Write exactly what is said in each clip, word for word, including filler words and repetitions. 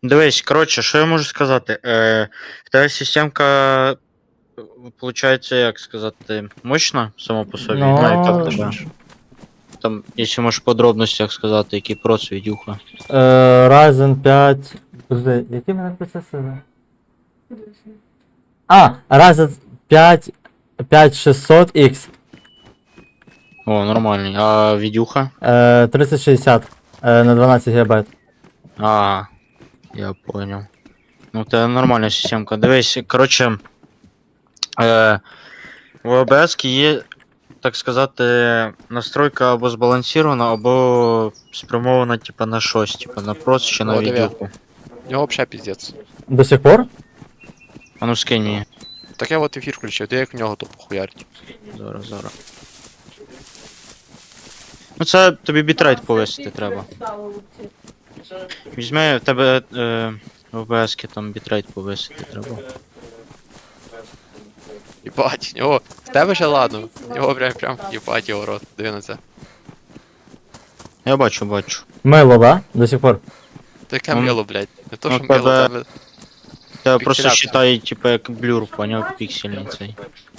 Дивись, коротше, що я можу сказати? Е, в тебе системка, виходить, як сказати, мощна сама по собі. Ну, Ну, яка в тебе? Там, якщо можеш в подробностях сказати, який проц відюха. Е, Ryzen п'ять. Подожди, які в мене процесори? А, Ryzen п'ять п'ять шістсот X. О, нормальний. А відюха? Е, тридцять шістдесят е, на дванадцять гігабайт. А, я понял. Ну, це нормальна системка. Дивись, коротше, е, в о бе ес є, так сказати, настройка або збалансована, або спрямована, типа, на щось, типа на проц чи на О, диви. відюху. У нього взагалі піздець. До сих пор? А ну скинь її. Так я от ефір включив, ти як в нього то похуярить. Зараз, зараз. Ну це тобі бітрейт повисити треба. Візьми, в тебе е, в о бе ес там бітрейт повисити треба. Єбать, в нього. В тебе ще ладно. В нього прям прям єбать його рот. Диви на це. Я бачу, бачу. Мило, да? До сих пор. То яке Ну, мило, блядь. Не то, ну, що мило, тебе- тебе. Тебе просто Пікселяція. считай, типа, як блюр, поняв, піксельний цей.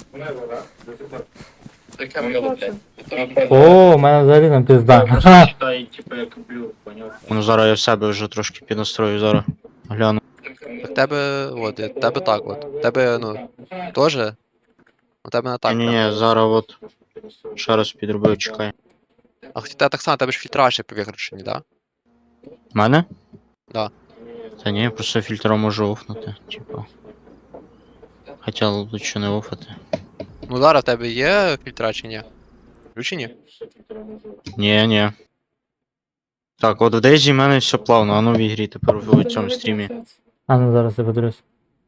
То яке мило, блядь. О, у мене взагалі там пізда. Ха. считай, типа, як блюр, поняв. Ну зараз я в себе вже трошки піднастрою, зараз гляну. В тебе, от, в тебе так от. В тебе, ну, теж. У тебе не так. ні, ні, прям. ні, зараз от. Ще раз підробив, чекай. А хоча тебе так само, тебе ж фільтра ще виключені, да? Мене? Да. Та ні, я просто фільтром можу офнути, типа. Хоча лучше не офати. Ну зараз в тебе є фільтра чи ні? Включені? Ні, ні. Так, от в Дейзі в мене все плавно, а ну в ігрі тепер в цьому стрімі. А ну зараз я подивлюсь.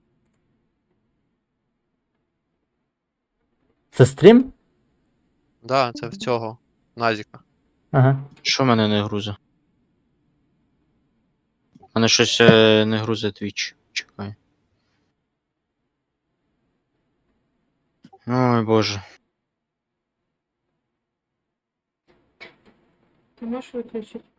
Це стрім? Да, це в цього. Назіка. Ага. Що в мене не грузе? У мене щось е, не грузе Twitch. Чекай. Ой боже. Ти можеш виключити?